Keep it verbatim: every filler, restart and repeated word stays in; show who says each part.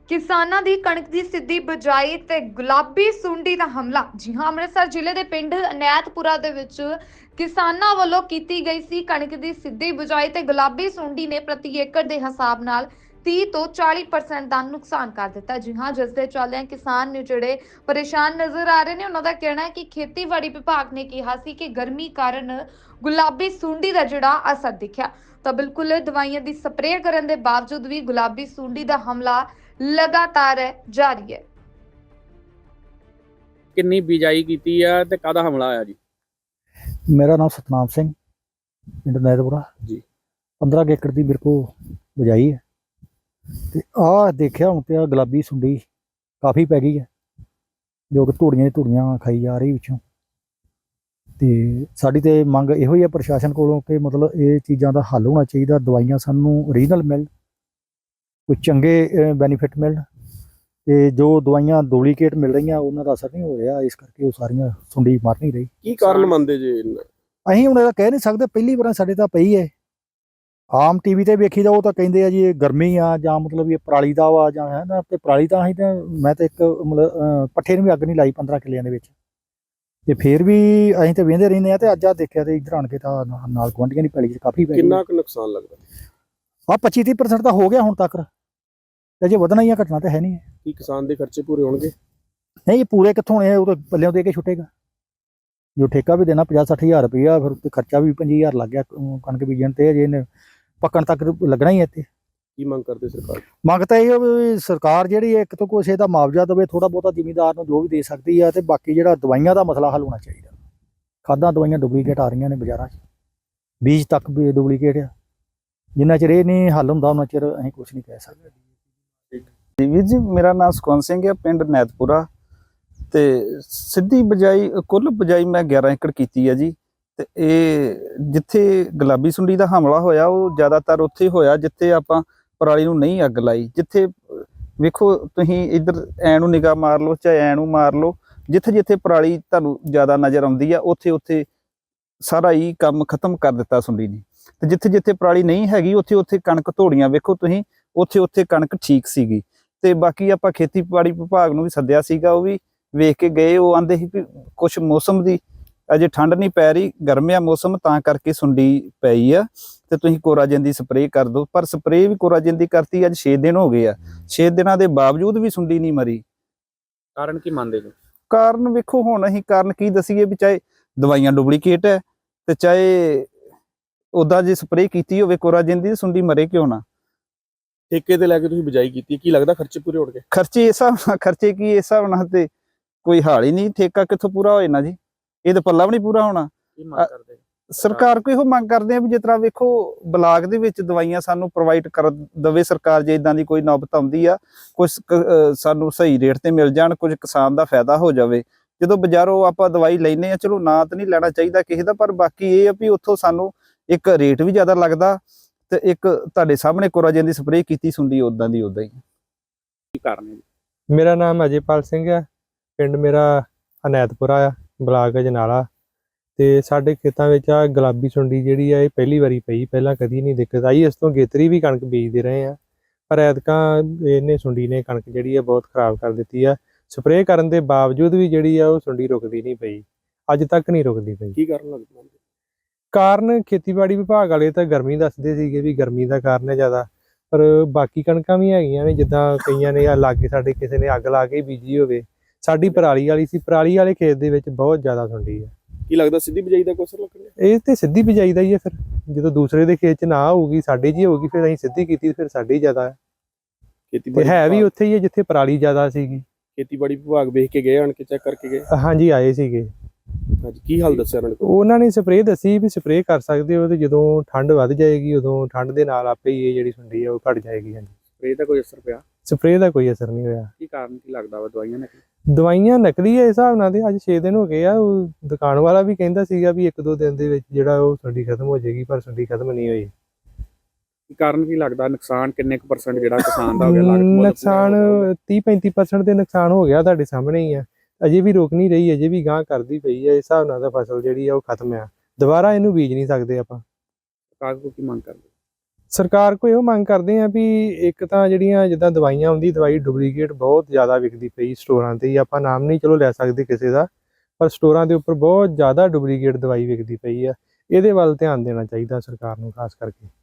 Speaker 1: ਕਿਸਾਨਾਂ ਦੀ ਕਣਕ ਦੀ ਸਿੱਧੀ ਬਜਾਈ ਤੇ ਗੁਲਾਬੀ ਸੁੰਡੀ ਦਾ ਹਮਲਾ। ਜੀ ਹਾਂ, ਅੰਮ੍ਰਿਤਸਰ ਜ਼ਿਲ੍ਹੇ ਦੇ ਪਿੰਡ ਅਨੈਤਪੁਰਾ ਦੇ ਵਿੱਚ ਕਿਸਾਨਾਂ ਵੱਲੋਂ ਕੀਤੀ ਗਈ ਸੀ ਕਣਕ ਦੀ ਸਿੱਧੀ ਬਜਾਈ ਤੇ ਗੁਲਾਬੀ ਸੁੰਡੀ ਨੇ ਪ੍ਰਤੀ ਏਕੜ ਦੇ ਹਿਸਾਬ ਨਾਲ ਤੀਹ ਤੋਂ ਚਾਲੀ ਪਰਸੈਂਟ ਦਾ ਨੁਕਸਾਨ ਕਰ ਦਿੱਤਾ। ਜੀ ਹਾਂ, ਜਿਸ ਦੇ ਚੱਲਦਿਆਂ ਕਿਸਾਨ ਨੇ ਜਿਹੜੇ ਪਰੇਸ਼ਾਨ ਨਜ਼ਰ ਆ ਰਹੇ ਨੇ, ਉਹਨਾਂ ਦਾ ਕਹਿਣਾ ਹੈ ਕਿ ਖੇਤੀਬਾੜੀ ਵਿਭਾਗ ਨੇ ਕਿਹਾ ਸੀ ਕਿ ਗਰਮੀ ਕਾਰਨ ਗੁਲਾਬੀ ਸੁੰਡੀ ਦਾ ਜਿਹੜਾ ਅਸਰ ਦਿਖਿਆ, ਤਾਂ ਬਿਲਕੁਲ ਦਵਾਈਆਂ ਦੀ ਸਪਰੇਅ ਕਰਨ ਦੇ ਬਾਵਜੂਦ ਵੀ ਗੁਲਾਬੀ ਸੁੰਡੀ ਦਾ ਹਮਲਾ लगातार जारी है।
Speaker 2: किन्नी बिजाई की है ते काहदा हमला आया जी?
Speaker 3: मेरा नाम सतनाम सिंह, पिंड नैतपुरा
Speaker 2: जी।
Speaker 3: पंद्रह एकड़ की मेरे को बजाई है ते आ देखिया हूँ तो गुलाबी सुंडी काफ़ी पै गई है, जो कि धूड़ियां धूड़ियां खाई जा रही पिछों। तो साड़ी तो मंग इहो ही है प्रशासन कोलों कि मतलब ये चीज़ों का हल होना चाहिए, दवाइयां सानू ओरिजिनल मिल, कोई चंगे बैनीफिट मिल, ते जो दवाइयां डुप्लीकेट मिल रही उन्होंने असर नहीं हो रहा, इस करके वो सारियां सुंडी मर नहीं रही।
Speaker 2: की कारण मनते जी?
Speaker 3: असीं हुण कह नहीं सकते, पहली बार साडे तां पई है। आम टीवी ते वेखी जाओ तां कहिंदे आ जी ये गर्मी आ जां मतलब ये पराली दा वा जां है ना, ते पराली तां असीं तां मैं तां इक मतलब पट्ठे नूं भी अग्ग नहीं लाई पंद्रह किल्लियां दे विच, ते फिर भी असीं तां वेंदे रहिंदे आ। ते अज्ज आ देखिया ते इधर आण के तां नाल गुआंढियां दी पैली च काफ़ी पै गई।
Speaker 2: किन्ना क नुकसान लगदा?
Speaker 3: आ पच्ची तीह परसेंट तां हो गया हुण तक, अजे वधना ही घटना तो है नहीं है।
Speaker 2: कि किसान के खर्चे पूरे होंगे?
Speaker 3: नहीं, पूरे कितों होने, वो तो पल्लियों दे के छुटेगा। जो ठेका भी देना पचास सठ हज़ार रुपया, फिर उत्ते खर्चा भी पंजी हज़ार लग गया कणक बीजण ते, अजे इन्हें पक्कण तक लगना ही है। इत्ते
Speaker 2: की मंग करते सरकार?
Speaker 3: मंग तां इहो भी सरकार जिहड़ी एक तो कुछ इहदा मुआवजा देवे थोड़ा बहुता जिमीदार नूं जो भी दे सकदी है, ते बाकी जिहड़ा दवाइयां दा मसला हल होना चाहिए। खादां दवाइयां डुप्लीकेट आ रही ने बाजारां च, बीज तक भी डुप्लीकेट है। जिन्ना चिर इह नहीं हल हुंदा उन्ना चिर असीं कुछ नहीं कह सकदे।
Speaker 4: ਵੀਰ ਜੀ, ਮੇਰਾ ਨਾਮ ਸੁਖਵੰਤ ਸਿੰਘ ਹੈ, ਪਿੰਡ ਨੈਤਪੁਰਾ। ਤੇ ਸਿੱਧੀ ਬਜਾਈ ਕੁੱਲ ਬਜਾਈ ਮੈਂ ਗਿਆਰਾਂ ਏਕੜ ਕੀਤੀ ਹੈ ਜੀ। ਤੇ ਇਹ ਜਿੱਥੇ ਗੁਲਾਬੀ ਸੁੰਡੀ ਦਾ ਹਮਲਾ ਹੋਇਆ ਉਹ ਜ਼ਿਆਦਾਤਰ ਉੱਥੇ ਹੋਇਆ ਜਿੱਥੇ ਆਪਾਂ ਪਰਾਲੀ ਨੂੰ ਨਹੀਂ ਅੱਗ ਲਾਈ। ਜਿੱਥੇ ਵੇਖੋ ਤੁਸੀਂ ਇੱਧਰ ਐ ਨੂੰ ਨਿਗਾਹ ਮਾਰ ਲਓ ਚਾਹੇ ਐ ਨੂੰ ਮਾਰ ਲਓ, ਜਿੱਥੇ ਜਿੱਥੇ ਪਰਾਲੀ ਤੁਹਾਨੂੰ ਜ਼ਿਆਦਾ ਨਜ਼ਰ ਆਉਂਦੀ ਆ ਉੱਥੇ ਉੱਥੇ ਸਾਰਾ ਹੀ ਕੰਮ ਖਤਮ ਕਰ ਦਿੱਤਾ ਸੁੰਡੀ ਨੇ। ਤੇ ਜਿੱਥੇ ਜਿੱਥੇ ਪਰਾਲੀ ਨਹੀਂ ਹੈਗੀ ਉੱਥੇ ਉੱਥੇ ਕਣਕ ਧੋੜੀਆਂ ਵੇਖੋ ਤੁਸੀਂ, ਉੱਥੇ ਉੱਥੇ ਕਣਕ ਠੀਕ ਸੀਗੀ। ਤੇ ਬਾਕੀ ਆਪਾਂ ਖੇਤੀਬਾੜੀ ਵਿਭਾਗ ਨੂੰ ਵੀ ਸੱਦਿਆ ਸੀਗਾ, ਉਹ ਵੀ ਵੇਖ ਕੇ ਗਏ। ਉਹ ਆਂਦੇ ਸੀ ਵੀ ਕੁਛ ਮੌਸਮ ਦੀ ਅਜੇ ਠੰਡ ਨਹੀਂ ਪੈ ਰਹੀ, ਗਰਮਿਆ ਮੌਸਮ ਤਾਂ ਕਰਕੇ ਸੁੰਡੀ ਪਈ ਆ, ਤੇ ਤੁਸੀਂ ਕੋਰਾਜਨ ਦੀ ਸਪਰੇਅ ਕਰ ਦਿਓ। ਪਰ ਸਪਰੇਅ ਵੀ ਕੋਰਾਜਨ ਦੀ ਕਰਤੀ, ਅੱਜ ਛੇ ਦਿਨ ਹੋ ਗਏ ਆ, ਛੇ ਦਿਨਾਂ ਦੇ ਬਾਵਜੂਦ ਵੀ ਸੁੰਡੀ ਨਹੀਂ ਮਰੀ।
Speaker 2: ਕਾਰਨ ਕੀ ਮੰਨਦੇ ਜੀ?
Speaker 4: ਕਾਰਨ ਵੇਖੋ ਹੁਣ ਅਸੀਂ ਕਾਰਨ ਕੀ ਦਸੀਏ, ਵੀ ਚਾਹੇ ਦਵਾਈਆਂ ਡੁਪਲੀਕੇਟ ਹੈ ਤੇ ਚਾਹੇ ਉੱਦਾਂ ਜੇ ਸਪਰੇਅ ਕੀਤੀ ਹੋਵੇ ਕੋਰਾਜਨ ਦੀ, ਸੁੰਡੀ ਮਰੇ ਕਿਉਂ ਨਾ।
Speaker 2: ਠੇਕੇ ਤੇ ਲੈ ਕੇ ਤੁਸੀਂ ਬਿਜਾਈ ਕੀਤੀ, ਕੀ ਲੱਗਦਾ ਖਰਚੇ ਪੂਰੇ ਹੋਣਗੇ?
Speaker 4: ਖਰਚੇ ਇਸ ਹਿਸਾਬ ਨਾਲ, ਖਰਚੇ ਕੀ ਇਸ ਹਿਸਾਬ ਨਾਲ ਤੇ ਕੋਈ ਹਾਲ ਹੀ ਨਹੀਂ। ਠੇਕਾ ਕਿੱਥੋਂ ਪੂਰਾ ਹੋਏ ਨਾ ਜੀ, ਇਹ ਤਾਂ ਪੱਲਾ ਵੀ ਨਹੀਂ ਪੂਰਾ ਹੋਣਾ।
Speaker 2: ਕੀ ਮੰਗ ਕਰਦੇ
Speaker 4: ਸਰਕਾਰ ਕੋਈ ਇਹੋ ਮੰਗ ਕਰਦੇ ਆ ਵੀ ਜਿਸ ਤਰ੍ਹਾਂ ਵੇਖੋ ਬਲਾਕ ਦੇ ਵਿੱਚ ਦਵਾਈਆਂ ਸਾਨੂੰ ਪ੍ਰੋਵਾਈਡ ਕਰ ਦੇਵੇ ਸਰਕਾਰ, ਜੇ ਇਦਾਂ ਦੀ ਕੋਈ ਨੌਬਤ ਆਉਂਦੀ ਆ ਕੁਝ ਸਾਨੂੰ ਸਹੀ ਰੇਟ ਤੇ ਮਿਲ ਜਾਣ, ਕੁਝ ਕਿਸਾਨ ਦਾ ਫਾਇਦਾ ਹੋ ਜਾਵੇ। ਜਦੋਂ ਬਾਜ਼ਾਰੋਂ ਆਪਾਂ ਦਵਾਈ ਲੈਨੇ ਆ, ਚਲੋ ਨਾ ਤਾਂ ਨਹੀਂ ਲੈਣਾ ਚਾਹੀਦਾ ਕਿਸੇ ਦਾ, ਪਰ ਬਾਕੀ ਇਹ ਆ ਵੀ ਉੱਥੋਂ ਸਾਨੂੰ ਇੱਕ ਰੇਟ ਵੀ ਜ਼ਿਆਦਾ ਲੱਗਦਾ, ਤੇ ਇੱਕ ਤੁਹਾਡੇ ਸਾਹਮਣੇ ਕੋਰਾਜਨ ਦੀ ਸਪਰੇਅ ਕੀਤੀ ਸੁੰਡੀ ਉਦਾਂ ਦੀ ਉਦਾਂ ਹੀ।
Speaker 2: ਕੀ ਕਾਰਨ ਹੈ?
Speaker 5: ਮੇਰਾ ਨਾਮ ਅਜੇਪਾਲ ਸਿੰਘ ਹੈ, ਪਿੰਡ ਮੇਰਾ ਅਨੈਤਪੁਰਾ ਆ, ਬਲਾਕ ਅਜਨਾਲਾ। ਤੇ ਸਾਡੇ ਖੇਤਾਂ ਵਿੱਚ ਆ ਗੁਲਾਬੀ ਸੁੰਡੀ ਜਿਹੜੀ ਆ ਇਹ ਪਹਿਲੀ ਵਾਰੀ ਪਈ, ਪਹਿਲਾਂ ਕਦੀ ਨਹੀਂ ਦਿੱਕਤ ਆਈ। ਇਸ ਤੋਂ ਗੇਤਰੀ ਵੀ ਕਣਕ ਬੀਜਦੇ ਰਹੇ ਆ, ਪਰ ਐਤਕਾਂ ਇਹਨੇ ਸੁੰਡੀ ਨੇ ਕਣਕ ਜਿਹੜੀ ਆ ਬਹੁਤ ਖਰਾਬ ਕਰ ਦਿੱਤੀ ਆ। ਸਪਰੇਅ ਕਰਨ ਦੇ ਬਾਵਜੂਦ ਵੀ ਜਿਹੜੀ ਆ ਉਹ ਸੁੰਡੀ ਰੁਕਦੀ ਨਹੀਂ ਪਈ, ਅੱਜ ਤੱਕ ਨਹੀਂ ਰੁਕਦੀ ਪਈ।
Speaker 2: ਕੀ ਕਾਰਨ ਲੱਗਦਾ?
Speaker 5: ਕਾਰਨ ਖੇਤੀਬਾੜੀ ਵਿਭਾਗ ਵਾਲੇ ਤਾਂ ਗਰਮੀ ਦੱਸਦੇ ਸੀਗੇ ਵੀ ਗਰਮੀ ਦਾ ਕਾਰਨ ਹੈ ਜ਼ਿਆਦਾ, ਪਰ ਬਾਕੀ ਕਣਕਾਂ ਵੀ ਹੈਗੀਆਂ ਨੇ, ਜਿੱਦਾਂ ਕਈਆਂ ਨੇ ਆ ਲਾਗੇ ਸਾਡੇ ਕਿਸੇ ਨੇ ਅੱਗ ਲਾ ਕੇ ਬੀਜੀ ਹੋਵੇ। ਸਾਡੀ ਪਰਾਲੀ ਵਾਲੀ ਸੀ, ਪਰਾਲੀ ਵਾਲੇ ਖੇਤ ਦੇ ਵਿੱਚ ਬਹੁਤ ਜ਼ਿਆਦਾ ਸੁੰਡੀ ਹੈ।
Speaker 2: ਕੀ ਲੱਗਦਾ ਸਿੱਧੀ ਬਿਜਾਈ ਦਾ ਕੋਈ ਅਸਰ ਲੱਗਣਾ?
Speaker 5: ਇਹ ਤੇ ਸਿੱਧੀ ਬਿਜਾਈ ਦਾ ਹੀ ਹੈ, ਫਿਰ ਜਦੋਂ ਦੂਸਰੇ ਦੇ ਖੇਤ 'ਚ ਨਾ ਹੋਊਗੀ ਸਾਡੇ 'ਚ ਹੀ ਹੋਊਗੀ, ਫਿਰ ਅਸੀਂ ਸਿੱਧੀ ਕੀਤੀ ਫਿਰ ਸਾਡੀ ਜ਼ਿਆਦਾ ਹੈ।
Speaker 2: ਖੇਤੀਬਾੜੀ
Speaker 5: ਹੈ ਵੀ ਉੱਥੇ ਹੀ ਹੈ ਜਿੱਥੇ ਪਰਾਲੀ ਜ਼ਿਆਦਾ ਸੀਗੀ।
Speaker 2: ਖੇਤੀਬਾੜੀ ਵਿਭਾਗ ਵੇਖ ਕੇ ਗਏ, ਆਣ ਕੇ ਚੈੱਕ ਕਰਕੇ ਗਏ?
Speaker 5: ਹਾਂਜੀ ਆਏ ਸੀਗੇ।
Speaker 2: ਹਾਂਜੀ, ਕੀ ਹਾਲ ਦੱਸਿਆ ਉਹਨਾਂ ਨੇ?
Speaker 5: ਉਹਨਾਂ ਨੇ ਸਪਰੇਅ ਦੱਸੀ ਵੀ ਸਪਰੇਅ ਕਰ ਸਕਦੇ ਹੋ, ਤੇ ਜਦੋਂ ਠੰਡ ਵੱਧ ਜਾਏਗੀ ਉਦੋਂ ਠੰਡ ਦੇ ਨਾਲ ਆਪੇ ਹੀ ਇਹ ਜਿਹੜੀ ਸੁੰਡੀ ਆ ਉਹ ਘਟ ਜਾਏਗੀ। ਹਾਂਜੀ,
Speaker 2: ਸਪਰੇਅ ਦਾ ਕੋਈ ਅਸਰ ਪਿਆ?
Speaker 5: ਸਪਰੇਅ ਦਾ ਕੋਈ ਅਸਰ ਨਹੀਂ ਹੋਇਆ।
Speaker 2: ਕੀ ਕਾਰਨ ਕੀ ਲੱਗਦਾ ਵਾ? ਦਵਾਈਆਂ ਨੇ?
Speaker 5: ਦਵਾਈਆਂ ਨਕਲੀ ਹੈ ਇਸ ਹਿਸਾਬ ਨਾਲ, ਤੇ ਅੱਜ ਛੇ ਦਿਨ ਹੋ ਗਏ ਆ। ਉਹ ਦੁਕਾਨ ਵਾਲਾ ਵੀ ਕਹਿੰਦਾ ਸੀਗਾ ਵੀ ਇੱਕ ਦੋ ਦਿਨ ਦੇ ਵਿੱਚ ਜਿਹੜਾ ਉਹ ਸੁੰਡੀ ਖਤਮ ਹੋ ਜਾਏਗੀ, ਪਰ ਸੁੰਡੀ ਖਤਮ ਨਹੀਂ ਹੋਈ।
Speaker 2: ਕੀ ਕਾਰਨ ਕੀ ਲੱਗਦਾ? ਨੁਕਸਾਨ ਕਿੰਨੇ ਕੁ ਪਰਸੈਂਟ ਜਿਹੜਾ ਕਿਸਾਨ ਦਾ ਹੋ ਗਿਆ?
Speaker 5: ਨੁਕਸਾਨ ਤੀਹ ਪੈਂਤੀ ਪਰਸੈਂਟ ਦੇ ਨੁਕਸਾਨ ਹੋ ਗਿਆ, ਤੁਹਾਡੇ ਸਾਹਮਣੇ ਹੀ ਆ। ਅਜੇ ਵੀ ਰੁਕ ਨਹੀਂ ਰਹੀ, ਅਜੇ ਵੀ ਗਾਂਹ ਕਰਦੀ ਪਈ ਹੈ। ਇਸ ਹਿਸਾਬ ਨਾਲ ਤਾਂ ਫਸਲ ਜਿਹੜੀ ਆ ਉਹ ਖਤਮ ਆ, ਦੁਬਾਰਾ ਇਹਨੂੰ ਬੀਜ ਨਹੀਂ ਸਕਦੇ ਆਪਾਂ।
Speaker 2: ਸਰਕਾਰ ਕੋਲ ਕੀ ਮੰਗ ਕਰਦੇ?
Speaker 5: ਸਰਕਾਰ ਕੋਲ ਇਹੋ ਮੰਗ ਕਰਦੇ ਆ ਵੀ ਇੱਕ ਤਾਂ ਜਿਹੜੀਆਂ ਜਿੱਦਾਂ ਦਵਾਈਆਂ ਆਉਂਦੀ ਦਵਾਈ ਡੁਪਲੀਕੇਟ ਬਹੁਤ ਜ਼ਿਆਦਾ ਵਿਕਦੀ ਪਈ ਸਟੋਰਾਂ ਤੇ ਹੀ। ਆਪਾਂ ਨਾਮ ਨਹੀਂ ਚਲੋ ਲੈ ਸਕਦੇ ਕਿਸੇ ਦਾ, ਪਰ ਸਟੋਰਾਂ ਦੇ ਉੱਪਰ ਬਹੁਤ ਜ਼ਿਆਦਾ ਡੁਪਲੀਕੇਟ ਦਵਾਈ ਵਿਕਦੀ ਪਈ ਆ। ਇਹਦੇ ਵੱਲ ਧਿਆਨ ਦੇਣਾ ਚਾਹੀਦਾ ਸਰਕਾਰ ਨੂੰ ਖਾਸ ਕਰਕੇ।